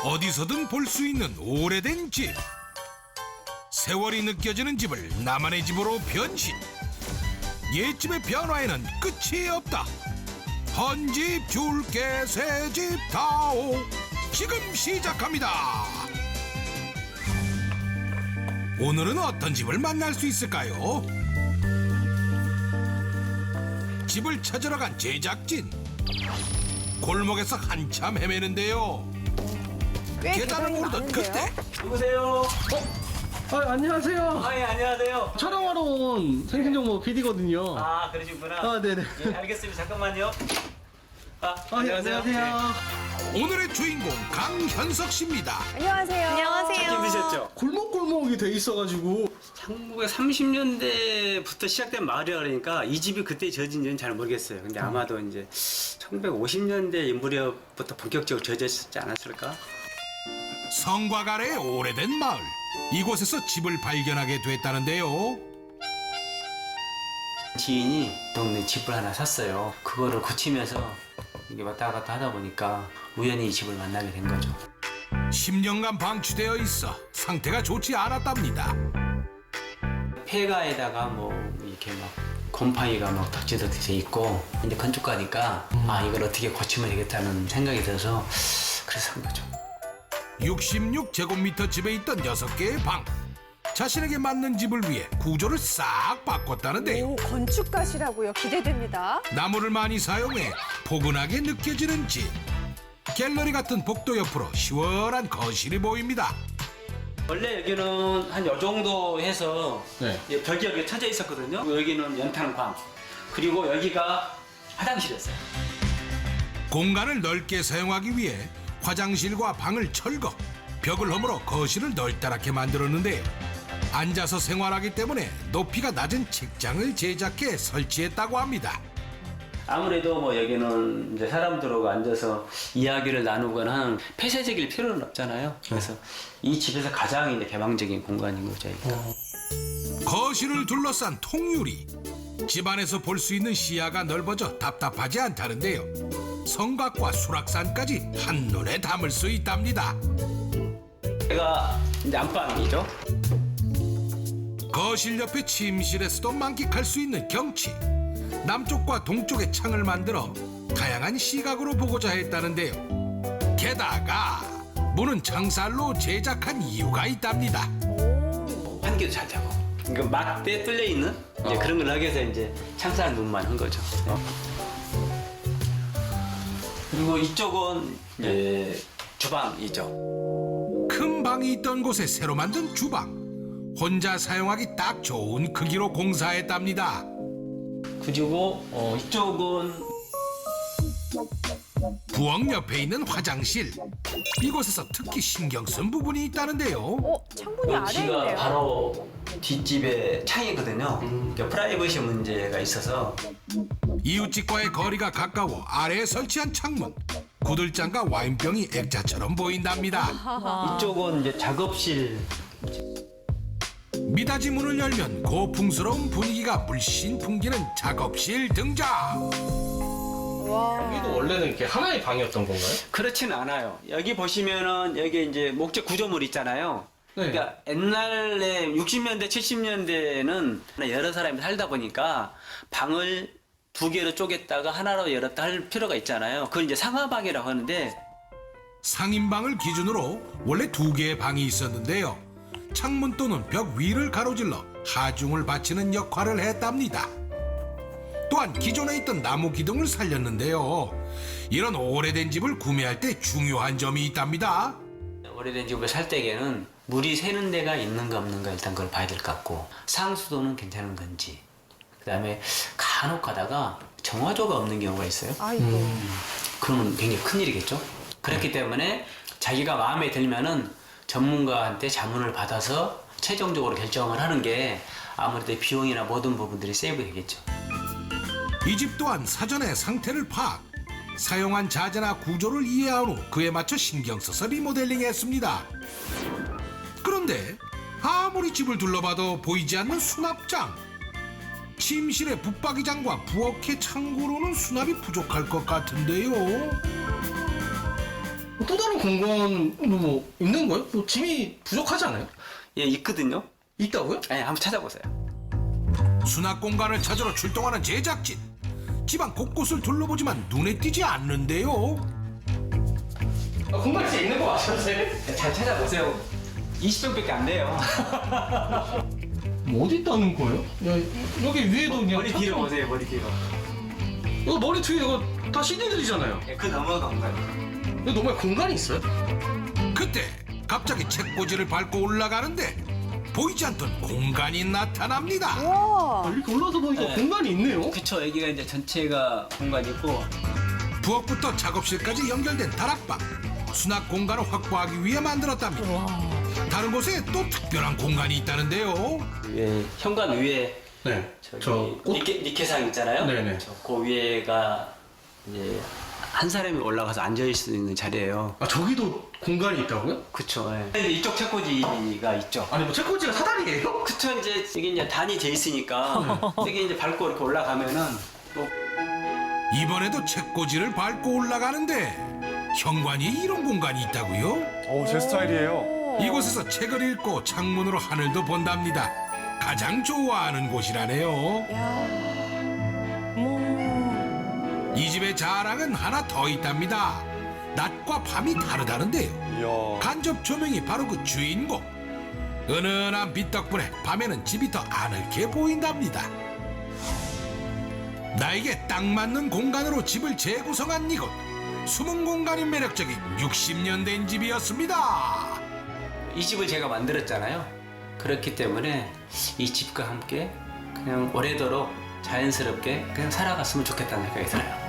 어디서든 볼 수 있는 오래된 집. 세월이 느껴지는 집을 나만의 집으로 변신. 옛집의 변화에는 끝이 없다. 헌집 줄게 새집 다오. 지금 시작합니다. 오늘은 어떤 집을 만날 수 있을까요? 집을 찾으러 간 제작진. 골목에서 한참 헤매는데요. 꽤 계단을 계단이 오르던 많은데요? 그때 누구세요? 안녕하세요. 예, 안녕하세요. 촬영하러 온 생생정보 PD거든요. 아, 그러시구나. 네네. 예, 알겠습니다. 잠깐만요. 안녕하세요. 오늘의 주인공 강현석 씨입니다. 안녕하세요. 안녕하세요. 힘드셨죠? 골목골목이 돼 있어가지고 1930년대부터 시작된 마을이라 그러니까 이 집이 그때 지어진지는 잘 모르겠어요. 근데 아마도 이제 1950년대 무렵부터 본격적으로 지어졌지 않았을까? 성곽 아래의 오래된 마을. 이곳에서 집을 발견하게 됐다는데요. 지인이 동네 집을 하나 샀어요. 그거를 고치면서 이게 왔다 갔다 하다 보니까 우연히 이 집을 만나게 된 거죠. 10년간 방치되어 있어 상태가 좋지 않았답니다. 폐가에다가 뭐 이렇게 막 곰팡이가 막 덕지덕지 돼 있고 이제 건축가니까 이걸 어떻게 고치면 되겠다는 생각이 들어서 그래서 한 거죠. 66제곱미터 집에 있던 6개의 방. 자신에게 맞는 집을 위해 구조를 싹 바꿨다는데요. 오, 건축가시라고요. 기대됩니다. 나무를 많이 사용해 포근하게 느껴지는 집. 갤러리 같은 복도 옆으로 시원한 거실이 보입니다. 원래 여기는 한 요 정도 해서 네. 벽이 여기 쳐져 있었거든요. 여기는 연탄광 그리고 여기가 화장실이었어요. 공간을 넓게 사용하기 위해 화장실과 방을 철거, 벽을 허물어 거실을 넓다랗게 만들었는데요. 앉아서 생활하기 때문에 높이가 낮은 책장을 제작해 설치했다고 합니다. 아무래도 뭐 여기는 이제 사람들하고 앉아서 이야기를 나누거나 하는 폐쇄적일 필요는 없잖아요. 그래서 이 집에서 가장 이제 개방적인 공간인 거죠. 여기가. 거실을 둘러싼 통유리. 집안에서 볼 수 있는 시야가 넓어져 답답하지 않다는데요. 성곽과 수락산까지 한눈에 담을 수 있답니다. 여기가 이제 안방이죠. 거실 옆에 침실에서도 만끽할 수 있는 경치. 남쪽과 동쪽에 창을 만들어 다양한 시각으로 보고자 했다는데요. 게다가 문은 창살로 제작한 이유가 있답니다. 환기도 잘 되고. 그러니까 막대 뚫려 있는 이제 그런 걸 하기 위해서 이제 창살 문만 한 거죠. 그리고 이쪽은 이제 주방이죠. 큰 방이 있던 곳에 새로 만든 주방. 혼자 사용하기 딱 좋은 크기로 공사했답니다. 그리고 이쪽은 부엌 옆에 있는 화장실. 이곳에서 특히 신경 쓴 부분이 있다는데요. 창문이 아래에 여기가 있네요. 바로 뒷집에 창이거든요. 그러니까 프라이버시 문제가 있어서 이웃집과의 거리가 가까워 아래에 설치한 창문. 구들장과 와인병이 액자처럼 보인답니다. 이쪽은 이제 작업실. 미닫이 문을 열면 고풍스러운 분위기가 물씬 풍기는 작업실 등장. 와. 여기도 원래는 이렇게 하나의 방이었던 건가요? 그렇지는 않아요. 여기 보시면은 여기 이제 목재 구조물 있잖아요. 네. 그러니까 옛날에 60년대, 70년대는 여러 사람이 살다 보니까 방을 2개로 쪼갰다가 하나로 열었다 할 필요가 있잖아요. 그걸 이제 상하방이라고 하는데 상인방을 기준으로 원래 2개의 방이 있었는데요. 창문 또는 벽 위를 가로질러 하중을 받치는 역할을 했답니다. 또한 기존에 있던 나무 기둥을 살렸는데요. 이런 오래된 집을 구매할 때 중요한 점이 있답니다. 오래된 집을 살 때에는 물이 새는 데가 있는가 없는가 일단 그걸 봐야 될 것 같고 상수도는 괜찮은 건지 그다음에 간혹 가다가 정화조가 없는 경우가 있어요. 아이고. 그러면 굉장히 큰일이겠죠. 그렇기 때문에 자기가 마음에 들면은 전문가한테 자문을 받아서 최종적으로 결정을 하는 게 아무래도 비용이나 모든 부분들이 세이브 되겠죠. 이 집 또한 사전에 상태를 파악. 사용한 자재나 구조를 이해한 후 그에 맞춰 신경 써서 리모델링했습니다. 그런데 아무리 집을 둘러봐도 보이지 않는 수납장. 침실의 붙박이장과 부엌의 창고로는 수납이 부족할 것 같은데요. 또 다른 공간도 뭐 있는 거예요? 뭐 짐이 부족하지 않아요? 예, 있거든요. 있다고요? 예, 한번 찾아보세요. 수납 공간을 찾으러 출동하는 제작진. 집안 곳곳을 둘러보지만 눈에 띄지 않는데요. 공간 진짜 있는 거 아셨어요? 잘 찾아보세요. 20평밖에 안 돼요. 뭐 어디 있다는 거예요? 야, 여기 위에도 그냥 머리 뒤로 보세요, 머리 뒤로. 이거 머리 뒤에 이거 다 CD들이잖아요. 예, 그 너머가 온가요? 이거 너무 공간이 있어요? 그때 갑자기 책꽂이를 밟고 올라가는데 보이지 않던 공간이 나타납니다. 와. 이렇게 올라서 보니까 네. 공간이 있네요. 그쵸, 여기가 이제 전체가 공간이 있고, 부엌부터 작업실까지 연결된 다락방. 수납 공간을 확보하기 위해 만들었답니다. 다른 곳에 또 특별한 공간이 있다는데요. 위에, 현관 위에 네. 저기 니케상 있잖아요. 네네. 그 위에가 이제 한 사람이 올라가서 앉아 있을 수 있는 자리예요. 아 저기도 공간이 있다고요? 그쵸. 예. 이제 이쪽 책꽂이가 있죠. 아니 뭐 책꽂이가 사다리예요? 그쵸. 이제 이게 이제 단이 돼 있으니까 여기 이제 밟고 이렇게 올라가면은 또 이번에도 책꽂이를 밟고 올라가는데 현관이 이런 공간이 있다고요? 제 스타일이에요. 이곳에서 책을 읽고 창문으로 하늘도 본답니다. 가장 좋아하는 곳이라네요. 야. 이 집의 자랑은 하나 더 있답니다. 낮과 밤이 다르다는데요. 이야. 간접 조명이 바로 그 주인공. 은은한 빛 덕분에 밤에는 집이 더 아늑해 보인답니다. 나에게 딱 맞는 공간으로 집을 재구성한 이곳. 숨은 공간이 매력적인 60년 된 집이었습니다. 이 집을 제가 만들었잖아요. 그렇기 때문에 이 집과 함께 그냥 오래도록 자연스럽게 그냥 살아갔으면 좋겠다는 생각이 들어요.